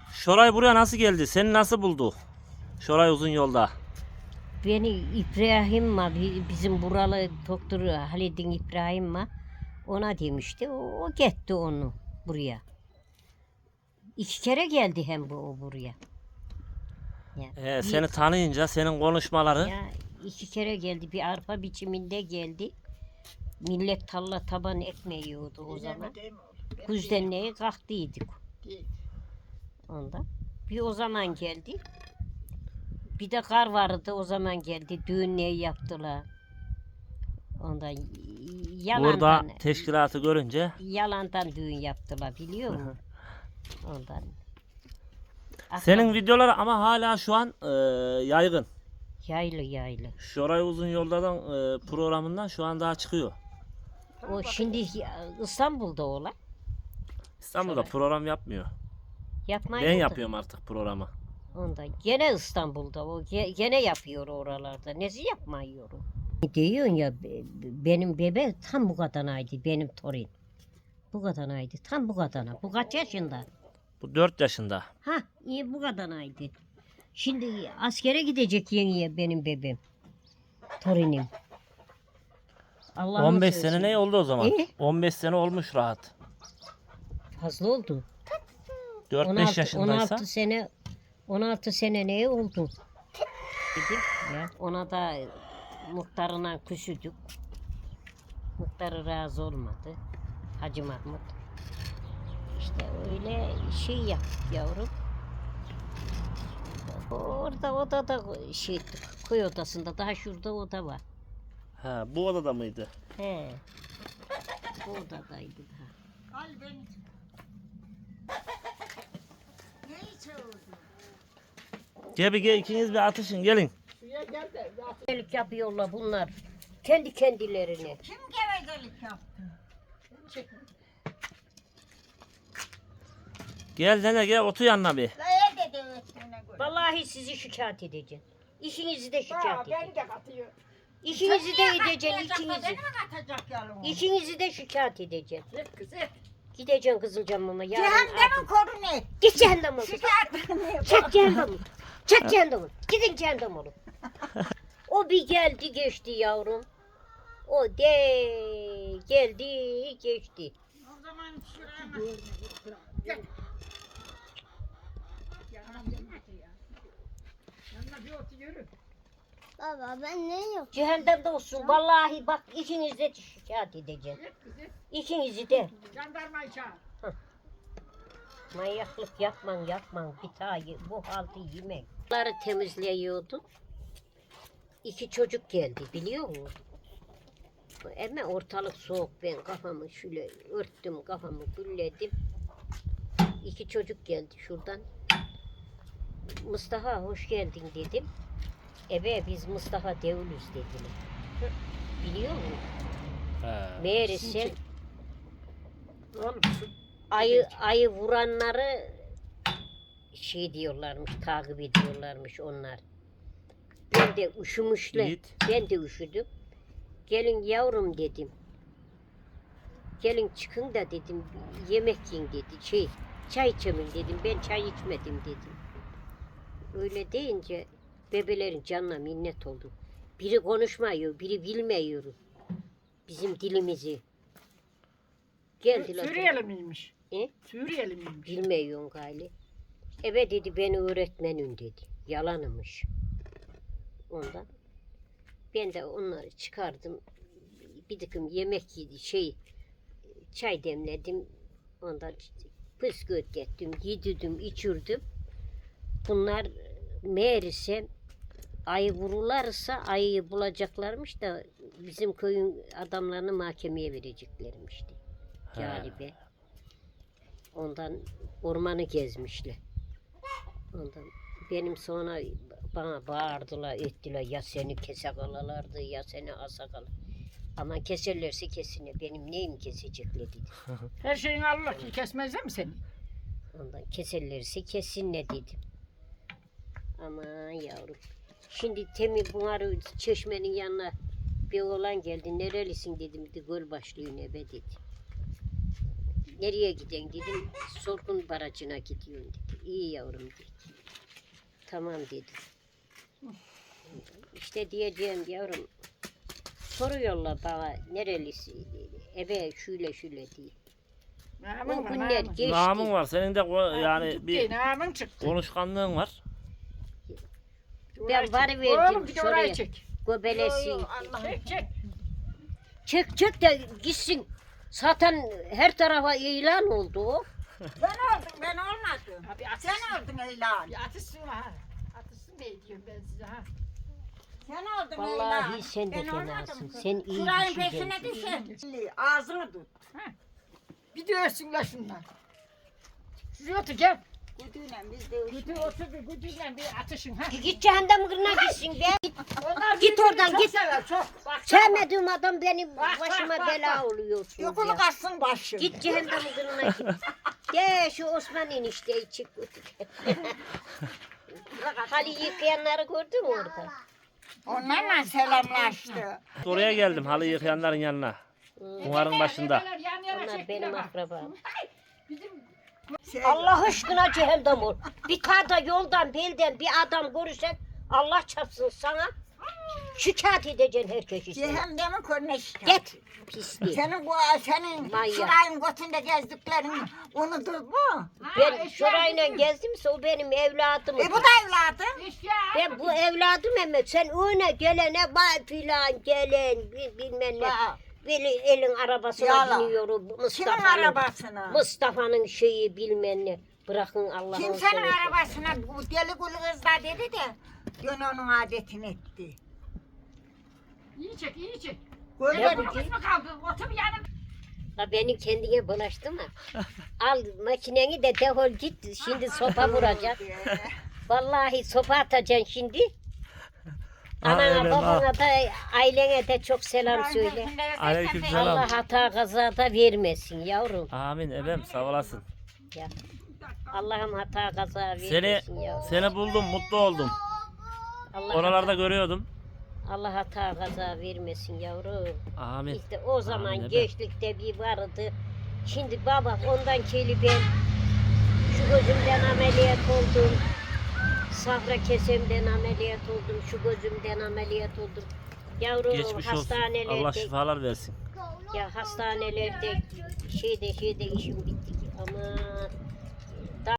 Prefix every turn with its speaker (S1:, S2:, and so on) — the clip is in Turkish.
S1: Şoray buraya nasıl geldi? Seni nasıl buldu? Şoray uzun yolda.
S2: Beni İbrahim var, bizim buralı doktor Halid'in İbrahim var. Ona demişti. O gitti onu buraya. 2 kere geldi hem o buraya. Ya,
S1: Seni tanıyınca senin konuşmaları.
S2: ya 2 kere geldi. Bir arpa biçiminde geldi. Millet talla taban ekmeği yiyordu o zaman. Kuzdenliğe kalktıydık. Ondan. Bir o zaman geldi. Bir de kar vardı o zaman geldi. Düğünleri yaptılar. Ondan
S1: Burada
S2: yalandan,
S1: teşkilatı görünce.
S2: yalandan düğün yaptılar biliyor musun? Ondan.
S1: Senin videoları ama hala şu an yaygın.
S2: Yaylı.
S1: Şoray uzun yoldan programından şu an daha çıkıyor.
S2: O şimdi İstanbul'da olan.
S1: İstanbul'da program yapmıyor.
S2: Yapmayı
S1: Ben
S2: da-
S1: yapıyorum artık programı.
S2: Ondan. Gene İstanbul'da o gene yapıyor oralarda. Nesi yapmıyor o? Diyorsun ya benim bebe tam bu kadaraydı benim torun. Bu kadaraydı tam bu kadar. Bu kaç yaşında?
S1: Bu 4 yaşında.
S2: Ha iyi bu kadaraydı. Şimdi askere gidecek yeniye benim bebeğim. Torunum. Allah'ım
S1: 15
S2: söylesün.
S1: sene ne oldu o zaman?
S2: İyi.
S1: 15 sene olmuş rahat.
S2: Fazla oldu.
S1: 4-5 yaşındaysa.
S2: 16 sene ne oldu? Dedim ya. Ona da muhtarına küsüdük. Muhtarı razı olmadı. Hacı Mahmut. İşte öyle şey yaptık yavrum. Orada odada şey koy odasında daha şurada oda var.
S1: Ha, bu odada mıydı?
S2: He. Bu odadaydı daha.
S1: Gel ikiniz bir atışın gelin.
S2: Gevezelik yapıyorlar bunlar. Kendi kendilerine.
S3: Kim gevezelik yaptı?
S1: Gel nene gel otur yanına bir.
S3: Laya dedi öğretmene göre.
S2: Vallahi sizi şikayet edeceğim. İşinizi de şikayet
S3: Ha,
S2: edeceğim.
S3: beni de katıyor.
S2: İşinizi de edeceğim,
S3: Katmayacak da
S2: ikinizi.
S3: beni mi katacak yalın?
S2: İşinizi de şikayet edeceğim.
S3: Git kız et.
S2: Gideceğim Kızılcamam'a yarın.
S3: Cehennemin korun et.
S2: Git cehenneme.
S3: Şikayet
S2: Çek cehenneme. Çek cehenneme. Gidin cehennem olun. O bir geldi geçti yavrum. O de geldi geçti.
S3: O zaman şuraya gel. Yanına bir otur yürü.
S4: Baba ben ne yok?
S2: Cehennemde olsun. Vallahi bak ikinizi de şikayet edeceğim.
S3: Git kız et.
S2: İkinizi de.
S3: Jandarmayı çağır.
S2: Manyaklık yapman bir tane bu halde yemek. Bunları temizliyordum. 2 çocuk geldi biliyor musun? Ama ortalık soğuk ben kafamı şöyle örttüm kafamı gülledim. 2 çocuk geldi şuradan. Mustafa hoş geldin dedim. Biz Mustafa Devlüz dediler. Biliyor musun? Meğerse ayı vuranları şey diyorlarmış, takip ediyorlarmış onlar. Ben de üşümüşler.
S1: Yiğit.
S2: Ben de üşüdüm. Gelin yavrum dedim. Gelin çıkın da dedim. Yemek yiyin dedi. Çay içemin dedim. Ben çay içmedim dedim. Öyle deyince bebelerin canına minnet oldu. Biri konuşmuyor, biri bilmiyor bizim dilimizi. Geldiler.
S3: Suriyeli miymiş?
S2: He?
S3: Suriyeli miymiş?
S2: Bilmiyorum gali. Evet dedi beni öğretmenim dedi. Yalanımış. Ondan. Ben de onları çıkardım. Bir takım yemek yedi, çay demledim. Ondan püskürt ettim, yedirdim, içirdim. Bunlar meğerse ayı vururlarsa ayıyı bulacaklarmış da bizim köyün adamlarını mahkemeye vereceklermişti. Galibe. Ondan ormanı gezmişler. Ondan benim sonra bana bağırdılar, ettiler. Ya seni kesakalarlardı ya seni asakalar. Ama keserlerse kesine. Benim neyim kesecekler dedi.
S3: Her şeyin Allah ki kesmezler mi seni?
S2: Ondan keserlerse kesinle dedim. Aman yavrum. Şimdi Temi bunları çeşmenin yanına bir oğlan geldi. Nerelisin dedim. Göl başlıyor nebe dedi. Nereye giden dedim. Sorgun Barajı'na gidiyorum dedi. İyi yavrum dedi. Tamam dedi. İşte diyeceğim yavrum. Soruyorlar bana nerelisi dedi. Ebe şöyle şöyle diye.
S3: Namın
S2: O
S3: var,
S2: günler
S3: namın.
S2: geçti.
S1: Namın var. Senin de yani bir
S3: Namın çıktı.
S1: konuşkanlığın var.
S2: Ben varıverdim
S3: Oğlum bir de
S2: şuraya.
S3: orayı çek.
S2: Göbelesi.
S3: Çek çek.
S2: Çek de gitsin. Zaten her tarafa ilan oldu o.
S5: Ben olmadım.
S3: Abi at.
S5: Sen oldun Eylal.
S3: Bir atışsın ha. Atışsın ne diyorum ben size ha.
S5: Sen oldun Eylal.
S2: Vallahi sen de
S5: Ben
S2: fenasın.
S5: olmadım.
S2: Sen iyi
S5: Şurayın
S2: bir şey
S5: peşine
S2: geldin.
S5: düşün. Ağzını tut.
S3: Bir de ölsünler şunlar. Siz otur gel.
S5: Güdüyle biz de
S3: Güdü otur bir güdüyle bir atışın ha.
S2: Git cehennem kırına gitsin be.
S3: Onlar
S2: Git
S3: birbirini
S2: oradan,
S3: çok
S2: git.
S3: Sever, çok. Bak,
S2: Sevmediğim adam benim
S3: Bak,
S2: başıma
S3: bak,
S2: bela
S3: bak.
S2: oluyorsun
S5: yokunu
S2: ya.
S5: kaçsın başı.
S2: Git cehennem kırına git. De şu Osman enişteyi çık. Hali yıkayanları gördün mü orada?
S5: Onlarla selamlaştı.
S1: Oraya geldim halı yıkayanların yanına. Bunların başında.
S3: Ebeler yan yana
S2: Onlar
S3: çektiler
S2: benim
S3: bak.
S2: akrabam.
S3: Bizim
S2: Allah aşkına cehennem ol. Bir karda yoldan belden bir adam görürsek Allah çarpsın sana. Şikayet edeceksin herkesi.
S5: Cehennemin körüne şikayet.
S2: Git pislik.
S5: Senin
S2: Manyak.
S5: şurayın götünde gezdiklerini unutuldu mu?
S2: Ben
S3: eşya
S2: şurayla
S3: bizim.
S2: gezdimse o benim evladım.
S5: Bu da evladım.
S3: eşya.
S2: Ben bu evladım ama sen öne gelene bay filan gelen bilmem ne.
S5: Bak,
S2: Böyle elin arabasına
S5: Yalan.
S2: biniyorum
S5: Kimin
S2: Mustafa'nın.
S5: arabasına?
S2: Mustafa'nın şeyi bilmem ne. Bırakın Allah'ın
S5: Kimsenin
S2: seversen.
S5: arabasına bu deli kulu kız da dedi de dön onun adetini etti.
S3: İyi çek iyi çek.
S5: Böyle
S2: Ya
S3: Bu
S2: bu-
S3: kız mı kaldı? Otur bir yanım.
S2: Ha beni kendine bulaştı mı? Al makineni de defol git. Şimdi sopa vuracak. Vallahi sopa atacaksın şimdi. Anana
S1: evet,
S2: babana da ailene de çok selam söyle.
S1: Aleykümselam.
S2: Allah hata kaza da vermesin yavrum.
S1: Amin ebem sağ olasın.
S2: Ya. Allah'ım hata kaza
S1: Seni
S2: vermesin yavrum.
S1: seni buldum mutlu oldum.
S2: Allah
S1: Oralarda görüyordum.
S2: Allah hata kaza vermesin yavrum.
S1: Amin.
S2: İşte o zaman
S1: Amin, evet.
S2: gençlikte bir vardı. Şimdi baba ondan keli ben şu gözümden ameliyat oldum. Safra kesemden ameliyat oldum. Şu gözümden ameliyat oldum. Yavrum
S1: Geçmiş olsun.
S2: hastanelerde
S1: Allah şifalar versin.
S2: ya hastanelerde şeyde işim bitti ki aman